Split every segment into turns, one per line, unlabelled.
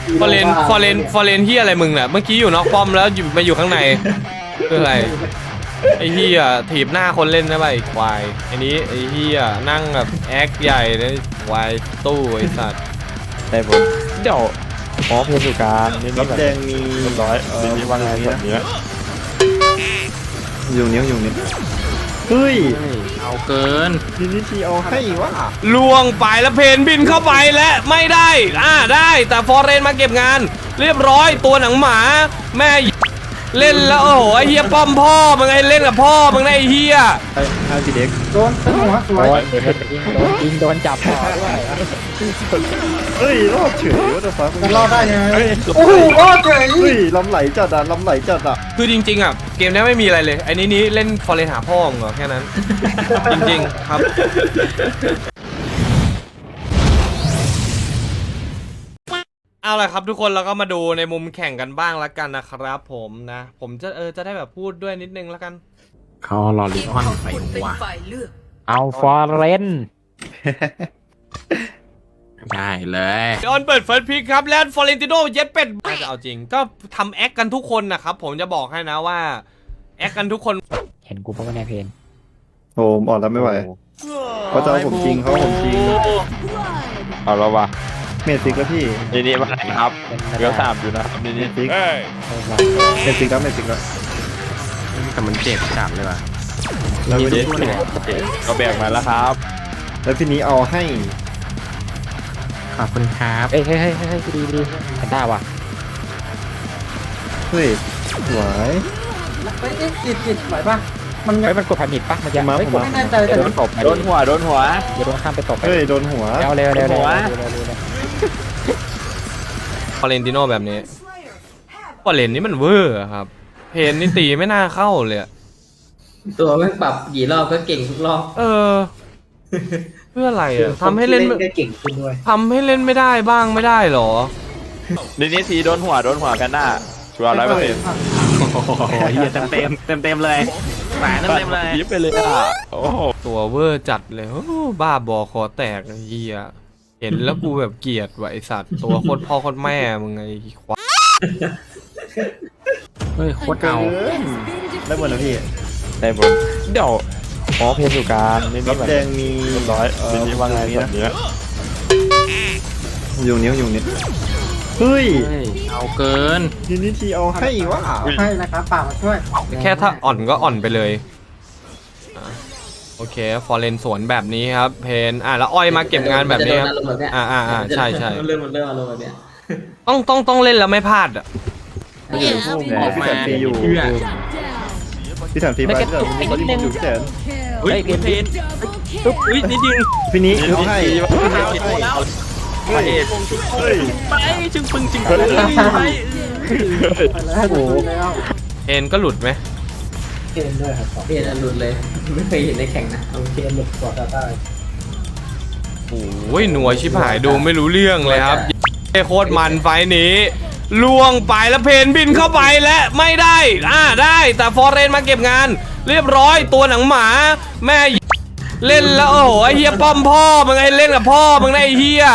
ฟอเรนที่อะไรมึงเนี่ยเมื่อกี้อยู่นอกป้อมแล้วมาอยู่ข้างในคืออะไรไอ้เหี้ยถีบหน้าคนเล่นนะไปควายไอ้นี้ไอ้เหี้ยนั่งแบบแอคใหญ่เลยควายตู้ไอ้สัตว์
ได้บนเดี๋ยวอ๋อเพนอยู่กลางนี่
รั
นี่
บ
แบบ
แดงมี
เรียบร้อยนี่ว่าไงแบบนี้
อยู่นิ้วอยู่นิ้วเฮ้ย
เอาเกิน
นี่ทีเอาให้วะ
ล่วงไปแล้วเพนบินเข้าไปและไม่ได้ได้แต่ฟอเรนมาเก็บงาน เรียบร้อยตัวหนังหมาแม่เล่นแล้วโอ้โหไอ้เหี้ยป้อมพ่อมึงไงเล่นกับพ่อมึงไงไอ้เหี้ย
ให้พี่เด็ก
โดนตึ้งหัวสวย
ยิงโดนจับต่อด้วย
เฮ้ยรอดเฉยว่าจะฟ้า
จะรอดได้ยังไงโอ้โหรอดเฉย
เฮ้ยลำไหลจัดอ่ะลำไหลจัดอ่ะ
คือจริงๆอ่ะเกมนี้ไม่มีอะไรเลยไอ้นี้เล่นฟอเรนหาพ่อมึงเหรอแค่นั้น จริงๆครับเอาละครับทุกคนเราก็มาดูในมุมแข่งกันบ้างละกันนะครับผมนะผมจะได้แบบพูดด้วยนิดนึงละกัน
เขารอลิออนไปว่ะ
เอาฟอร์เรน
ได้เลย
ออนเปิดเฟิร์สพิกครับแล้วฟอเรนติโนเย็ดเป็ดน่าจะเอาจริงก็ทำแอคกันทุกคนนะครับผมจะบอกให้นะว่าแอคกันทุกคน
เห็นกูเพราะว่าในเพน
โอ้ผมอ่อนแล้วไม่ไหวเขาจะเอาผมจริงเขาเอาผมจริง
เอาแล้ววะ
เมสิกแล้วพี่
นี่นี่มาไหนครับเรือ3อยู่นะครับนี่
เม
นี่
สิกเมสิกแล้วเมสิกแล้ว
แต่มันเจ็บจัดเลยว่ะ
แล้ว
มี
พี่
ทุ
เด็
ก
ก
คนเลย
ก็แบ่งมาแล้วครับ
แล้วพี่นี้เอาให้
ขอบคุณครับ
เฮ้ยดีแพนด้าว่ะ
เฮ้ยสวย
เฮ้ยจิตไหวป่ะมัน
เฮ้ยมันกดแพนิคปะมันยังไม่กด
ไม่แน่ใจแต่
โดนตบโดนหัวอย่าโดนข้ามไปตบไป
เฮ้ยโดนหัว
เร็ว
ฟอเรนติโนแบบนี้ฟอเรนนี่มันเวอร์อะครับเพนนี่ตีไม่น่าเข้าเลยอะ
ตัวแม่งปรับกี่รอบก็เก่งทุกรอบ
เพื่ออะไรอะทำให้เล่น
ได้เก่งขึ้นด้วย
ทำให้เล่นไม่ได้บ้างไม่ได้หรอ
นี่ทีโดนหัวแพนด้าชัวร์100%
โอ้โหเฮียเต็มเลยแหวนเต็มเลย
ยิบไปเลยอ่ะโอ้โห
ตัวเวอร์จัดเลยโอ้บ้าบอคอแตกไอ้เหี้ยเห็นแล้วกูแบบเกลียดว่ะไอสัตว์ตัวโคตรพ่อโคตรแม่มึงไงควาย
เฮ้ยโคตรเอา
ได้หมดแล้วพี่
ได้บนเดี๋ยวอ๋อเพนอยู่กลางนี่
รั
นี่
บ
แบบ
แดงมี
เรียบร้อยนี่ว่าไงแบบนี้
อยู่นิ้วอยู่นิ้วเฮ้ย
เฮ้ยเอาเกิน
นี่ทีเอาให้วะ
ให้นะครับป่ามาช่วย
แค่ถ้าอ่อนก็อ่อนไปเลยอ่ะโอเคฟอร์เรนสวนแบบนี้ครับเพนแล้วอ้อยมาเก็บงานแบบนี้ครับ ใช่
เริ่มอารมณ์แบบเนี้ย
ต้องเล่นแล้วไม่พลาดอ่ะ
พี่แสนฟรีอยู่พี่แสนฟรีไปพี่แสนฟรีเขาที่ผมอยู่พี่แสน
เฮ้ยเพนอุ้ยนิดนึง
พี่นี้เอาให้
พระเอก
เฮ้ย
ไปจึงปึงจึง
เฮ้ย
ไป
แล้วโอ้โหแล้ว
เพนก็หลุดไหม
เกมด้วยครับ
เปลี่ยนอันหลุดเลย ไม่เคยเห็นในแข่งนะ
เอาเกมหลุดก่อนได้
โอ้ยหน่วยชิบหายดูไม่รู้เรื่องเลยครับโคตรมันไฟนี้ล่วงไปแล้วเพนบินเข้าไปและไม่ได้ได้แต่ฟอเรนมาเก็บงาน เรียบร้อยตัวหนังหมาแม่เล่นแล้วโอ้โหไอ้เหี้ยป้อมพ่อมึงไงเล่นกับพ่อมึงไงไอ้เหี้ย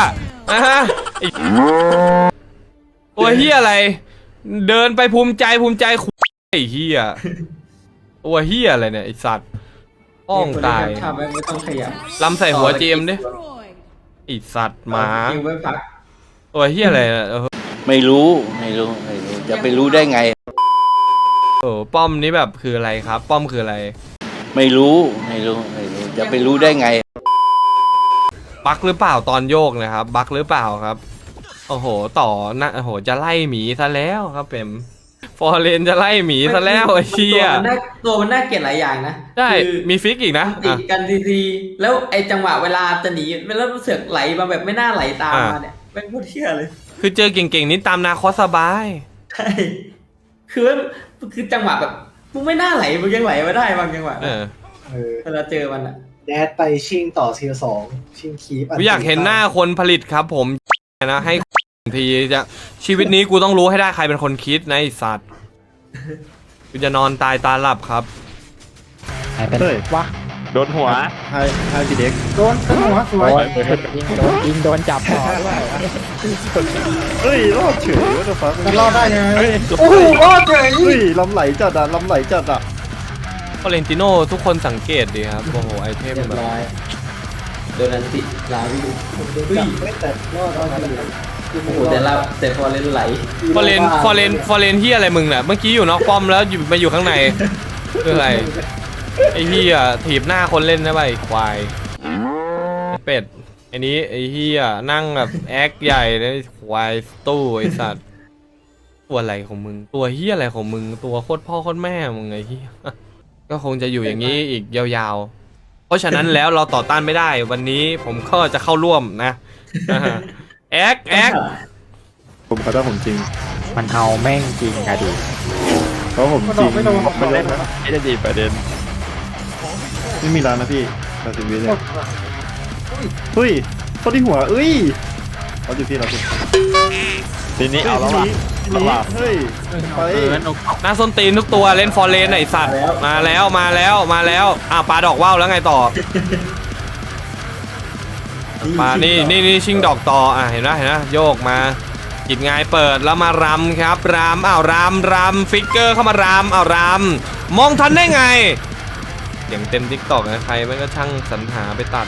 ตัวเหี้ยอะไร เดินไปภูมิใจไอ้เหี้ยตัวเหี้ยอะไรเนี่ยไอ้สัตว์ป้องตาย
ทำไม่ต้องขยับ
ลำใส่หัวเจมดิไอ้สัตว์หมา
คิวไม่พัก
ตัวเหี้ยอะไรเนี่ย
ไม่รู้จะไปรู้ได้ไง
ป้อมนี้แบบคืออะไรครับ ป้อมคืออะไร
ไม่รู้จะไปรู้ได้ไง
บั๊กหรือเปล่าตอนโยกนะครับบั๊กหรือเปล่าครับโอ้โหต่อนะโอ้โหจะไล่หมีซะแล้วครับเป็นฟอร์เรนจะไล่หมีซะแล้วไอ้เชี่ย
ตัวมันน่าเกลียดหลายอย่างนะ
ใช่มีฟิกอีกนะ
ติดกันทีแล้วไอ้จังหวะเวลาจะหนีแล้วเสือกไหลมาแบบไม่น่าไหลตามมาเนี่ยเป็นโคตรเที่ยเลย
คือเจอเก่งๆนี่ตามนาคอสสบาย
ใช่คือจังหวะแบบมึงไม่น่าไหลมึงยังไหลมาได้บางจังหวะนะเวลาเจอมันอะ
แดดไปชิงต่อทีสองชิงคีป
กูอยากเห็นหน้าคนผลิตครับผมนะให้ทีจะชีวิตนี้กูต้องรู้ให้ได้ใครเป็นคนคิดนะไอ้สัตว์กูจะนอนตายตาหลับครับ
ไหนเป็นวะโดนหัว
ให้พี่เด็ก
โดนหัวสวย
ยิงโดนจับต่อด้วย
เฮ้ยรอดเฉยว่าจะฟัง
จะรอดได้ไง
โอ้โหรอดเฉยเฮ้ยลำไหลจัดอ่ะลำไหลจัดอ่ะ
ฟอเรนติโน่ทุกคนสังเกตดีครับโอ้โหไอเทม
เรียบ
แบบ
ร้อยโดนอันติลาวิว
ผมโดนจับไม่แต่รอดเอาอยู่
โอ้โหแต่พอเล่นไหล
ฟอเรนที่อะไรมึงน่ะเมื่อกี้อยู่นอกป้อมแล้วอยู่มาอยู่ข้างในคืออะไรไอ้เหี้ยถีบหน้าคนเล่นนะไปควายเป็ดไอ้นี้ไอ้เหี้ยนั่งแบบแอคใหญ่เลยควายตู้ไอ้สัตว์ตัวอะไรของมึงตัวเหี้ยอะไรของมึงตัวโคตรพ่อโคตรแม่มึงไอ้เหี้ยก็คงจะอยู่อย่างนี้อีกยาวๆเพราะฉะนั้นแล้วเราต่อต้านไม่ได้วันนี้ผมก็จะเข้าร่วมนะแอค
ผมเขาถ้าผมจริง
มันเอาแม่งจริงอะดิ
เพราะผมจริงไม่เล่นนะ
ไม่ได้ดีประเด็น
ไม่มีร้านนะพี่เราสิบวิเลยเฮ้ยเขาที่หัวเอ้ยเราอยู่พี่เราสิ
ทีนี้เอาแล้วว่ะ
ทีนี้เฮ้ยไป
หน้าส้นตีนทุกตัวเล่นฟอร์เรนไอสัตว์มาแล้วปลาดอกว่าวแล้วไงต่อปลานี่ชิงดอกต่อเห็นนะโยกมาจิตงายเปิดแล้วมารำครับรำฟิกเกอร์เข้ามารำมองทันได้ไงเสียงเต็มทิกตอกนะใครไม่ก็ช่างสรรหาไปตัด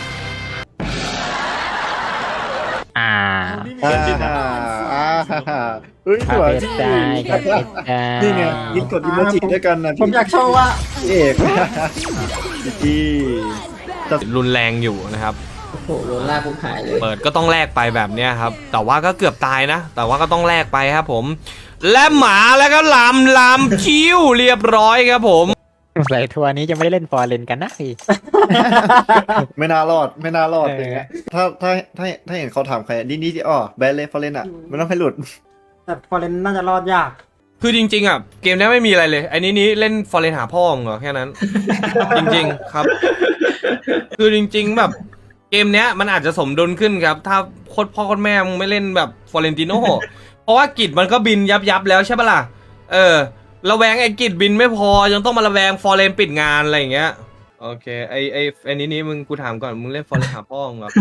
เฮ้ยหัว
เป็ดได้กับเป็ดได้
นี่ไงยิงกดอิโมจิด้วยกันนะ
ผมอยากโชว์ว่า
เอกพี่จะ
รุนแรงอยู่นะครับ
โอ้โหโดนลากปุ๊บหายเลย
เปิดก็ต้องแลกไปแบบเนี้ยครับแต่ว่าก็เกือบตายนะแต่ว่าก็ต้องแลกไปครับผมและหมาแล้วก็ลำคิ้วเรียบร้อยครับผม
ใส่ทัวร์นี้จะไม่ได้เล่นฟอร์เรนกันนะพี่
ไม่น่ารอดอย่างเงี้ยถ้าเห็นเขาถามใครนี่ที่แบนเลยฟอร์เรนอ่ะไม่ต้องให้หลุด
แต่ฟอร์เรนน่าจะรอดยาก
คือจริงๆอ่ะเกมนี้ไม่มีอะไรเลยไอ้นี้เล่นฟอร์เรนหาพ่อเหรอแค่นั้น จริงๆครับคือจริงๆแบบเกมเนี้ยมันอาจจะสมดุลขึ้นครับถ้าโคตรพ่อโคตรแม่มึงไม่เล่นแบบฟอร์เรนติโน่ เพราะว่ากิจมันก็บินยับแล้วใช่ปะล่ะระแวงไอ้กิจบินไม่พอยังต้องมาระแวงฟอร์เรนปิดงานอะไรอย่างเงี้ยโอเคไอ้นี้มึงกูถามก่อนมึงเล่นฟอร์เรนหาพ่อเหรอ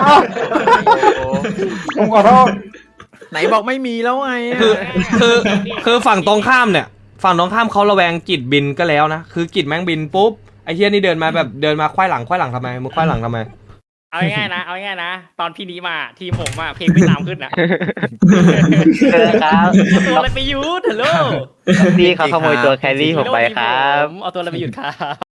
ผมขอโทษ
ไหนบอกไม่มีแล้วไง
คือฝั่งตรงข้ามเนี่ยฝั่งตรงข้ามเขาระแวงกิจบินก็แล้วนะคือกิจแม่งบินปุ๊บไอ้เฮียนี่เดินมาควายหลังทำไมมึงควายหลังทำไม
เอาง่ายๆนะตอนพี่นี้มาทีมผมอะเพลงไม่ตามขึ้นอะ
ครับ
เอาตัวอะไรไปหยุดฮัลโหล
พี่เขาขโมยตัวแครี่ผมไปครับ
เอาตัวอะไรไปหยุดครับ